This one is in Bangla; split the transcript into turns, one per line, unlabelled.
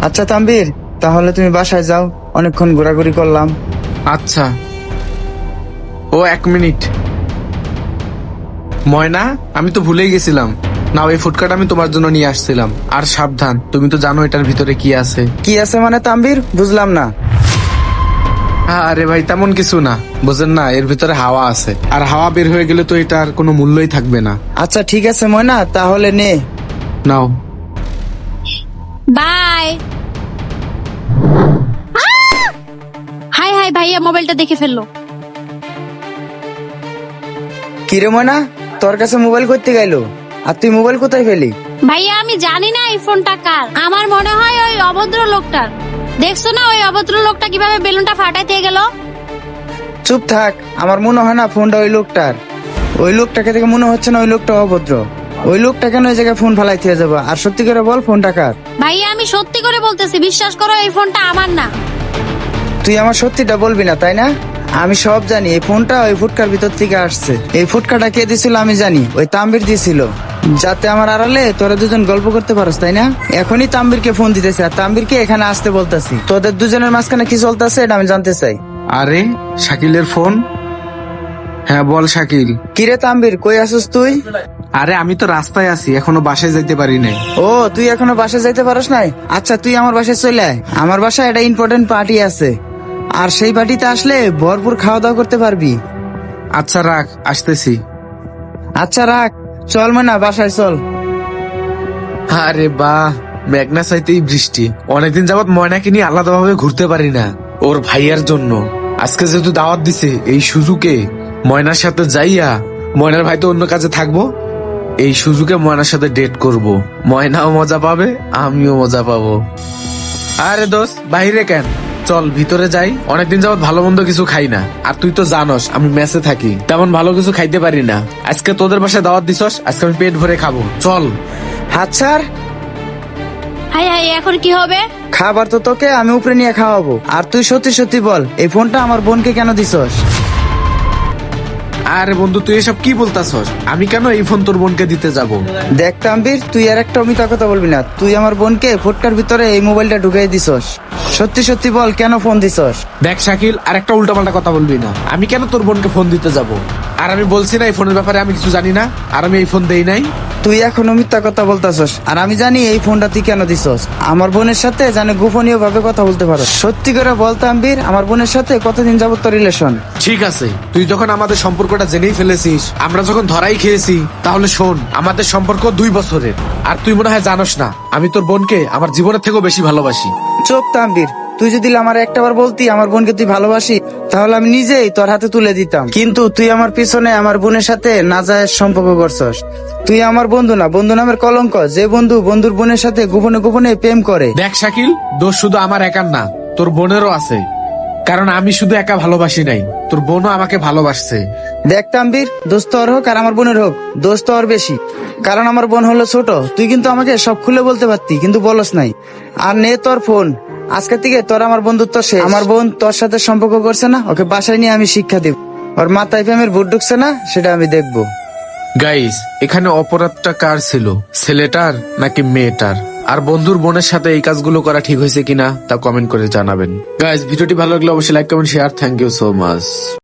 আচ্ছা তানভীর, তাহলে তুমি বাসায় যাও, অনেকক্ষণ ঘোরাঘুরি করলাম।
আচ্ছা। ও 1 মিনিট। ময়না, আমি তো ভুলেই গেছিলাম। না, ওই ফুটকাটা আমি তোমার জন্য নিয়ে আসছিলাম। আর সাবধান, তুমি তো জানো এটার ভিতরে কি আছে।
কি আছে মানে তানভীর, বুঝলাম না।
আরে ভাই, তেমন কিছু না। বুঝেন না, এর ভিতরে হাওয়া আছে, আর হাওয়া বের হয়ে গেলে তো এটার কোনো মূল্যই থাকবে না।
আচ্ছা ঠিক আছে ময়না, তাহলে নে।
নাও।
বাই। হাই হাই ভাইয়া মোবাইলটা দেখে ফেললো।
কিরে ময়না, তোর কাছে মোবাইল করতে গেল, আর তুই মোবাইল কোথায় ফেলি?
ভাইয়া আমি জানি না এই ফোনটা কার, আমার মনে হয় ওই অভদ্র লোকটার। দেখছো না ওই অভদ্র লোকটা কিভাবে বেলুনটা ফাটাইতে গেল।
চুপ থাক, আমার মনে হয় না ফোনটা ওই লোকটার। ওই লোকটাকে দেখে মনে হচ্ছে না ওই লোকটা অভদ্র। ওই লোকটা কেন ওই জায়গায় ফোন ফালাই দিয়ে যাবো? আর সত্যি করে বল, ফোনটা কার?
ভাইয়া আমি সত্যি করে বলতেছি, বিশ্বাস করো এই ফোনটা আমার না।
তুই আমার সত্যিটা বলবি না তাই না? আমি সব জানি, এই ফোনটা ওই ফুটকার ভিতর থেকে আসছে। এই ফুটকাটা কে দিছিল আমি জানি, ওই তাম্বির দিছিল, যাতে আমার আড়ালে তোরা দুজন গল্প করতে পারস, তাই না? এখনই তাম্বিরকে ফোন দিতেছে আর তাম্বিরকে এখানে আসতে বলতেছি। তোদের দুজনের মাঝখানে কি চলতেছে এটা আমি জানতে চাই।
আরে, শাকিলের ফোন। হ্যাঁ বল শাকিল।
কিরে তাম্বির, কই আসিস তুই?
আরে আমি তো রাস্তায় আছি, এখনো বাসায় যাইতে পারি নাই।
ও, তুই এখনো বাসায় যাইতে পারস নাই? আচ্ছা তুই আমার বাসায় চলে আয়, আমার বাসায় একটা ইম্পর্টেন্ট পার্টি আছে, আর সেই পার্টিতে আসলে ভরপুর খাওয়া দাওয়া করতে পারবি।
আচ্ছা রাখ, আসতেছি।
আচ্ছা রাখ, চল ময়না বাসায় চল।
আরে বাহ, মেঘনা চাইতেই বৃষ্টি। অনেকদিন যাবত ময়নাকে নিয়ে আলাদাভাবে ঘুরতে পারি না, ওর ভাইয়ার জন্য। আজকে যেহেতু দাওয়াত দিছে, এই সুযোগে ময়নার সাথে যাইয়া, ময়নার ভাই তো অন্য কাজে থাকবো, এই সুযোগে ময়নার সাথে ডেট করব। ময়নাও মজা পাবে, আমিও মজা পাবো। আরে দোস্ত, বাইরে কেন? চল ভিতরে যাই। অনেকদিন যাবত ভালো মন্দ কিছু খাই না, আর তুই তো জানোস আমি মেসে থাকি, তেমন ভালো কিছু খাইতে পারি না। আজকে তোদের বাসায় দাওয়াত দিছস, আজকে আমি পেট ভরে খাবো। চল।
হাত ছাড়।
হাই হাই এখন কি হবে?
খাবার তো তোকে আমি উপরে নিয়ে খাওয়াবো। আর তুই সত্যি সত্যি বল, এই ফোনটা আমার বোনকে কেন দিছস?
আরে বন্ধু, তুই এসব কি বলতাছস? আমি কেন এই ফোন তোর বোনকে দিতে যাব?
দেখ তাম্বির, তুই আর একটা মিথ্যা কথা বলবি না। তুই আমার বোনকে ফুটকার ভিতরে এই মোবাইলটা ঢুকিয়ে দিছস। সত্যি সত্যি বল, কেন ফোন দিছস?
দেখ শাকিল, আর একটা উল্টাপাল্টা কথা বলবি না। আমি কেন তোর বোনকে ফোন দিতে যাব? আর আমি বলছি না এই ফোনের ব্যাপারে আমি কিছু জানি না, আর আমি এই ফোন দেই নাই।
তুই এখনো মিথ্যা কথা বলতাছস, আর আমি জানি এই ফোনটা তুই কেন দিছস। আমার বোনের সাথে জানে গোপনীয় ভাবে কথা বলতে পারো। সত্যি করে বল তাম্বির, আমার বোনের সাথে কতদিন যাবত তোর রিলেশন?
ঠিক আছে, তুই যখন আমাদের সম্পর্কটা জেনেই ফেলেছিস, আমরা যখন ধরাই খেয়েছি, তাহলে শোন, আমাদের সম্পর্ক 2 বছরের। আর তুই মনে হয় জানোস না, আমি তোর বোনকে আমার জীবনের থেকেও বেশি ভালোবাসি।
চুপ তাম্বির, তুই যদি আমার একটাবার বলতি আমার বোনকে তুই ভালোবাসি, তাহলে আমি নিজেই তোর হাতে তুলে দিতাম। কিন্তু তুই আমার পিছনে আমার বোনের সাথে নাজায়েজ সম্পর্ক করছস। তুই আমার বন্ধু না, বন্ধু নামের কলঙ্ক। যে বন্ধু বন্ধুর বোনের সাথে গোপনে গোপনে প্রেম করে।
দেখ শাকিল, দোষ শুধু আমার একার না, তোর বোনেরও আছে। কারণ আমি শুধু একা ভালোবাসি নাই, তোর বোনও আমাকে ভালোবাসছে।
দেখ তাম্বির, দোস্ত ওর হোক আর আমার বোনের হোক, দোস্ত ওর বেশি। কারণ আমার বোন হলো ছোট। তুই কিন্তু আমাকে সব খুলে বলতে পারতি, কিন্তু বলস নাই। আর নে তোর ফোন, আজকে থেকে তোর আমার বন্ধুত্ব শেষ। আমার বোন তোর সাথে সম্পর্ক করছে না, ওকে বাসায় নিয়ে আমি শিক্ষা দেব। ওর মাথায় প্রেমের ভূত ঢুকছে না, সেটা আমি দেখবো।
গাইস, এখানে অপরাধটা কার ছিল, ছেলেটার নাকি মেয়েটার? আর বন্ধুর বোনের সাথে এই কাজগুলো করা ঠিক হয়েছে কিনা তা কমেন্ট করে জানাবেন। গাইস, ভিডিওটি ভালো লাগলে অবশ্যই like comment share. Thank you so much.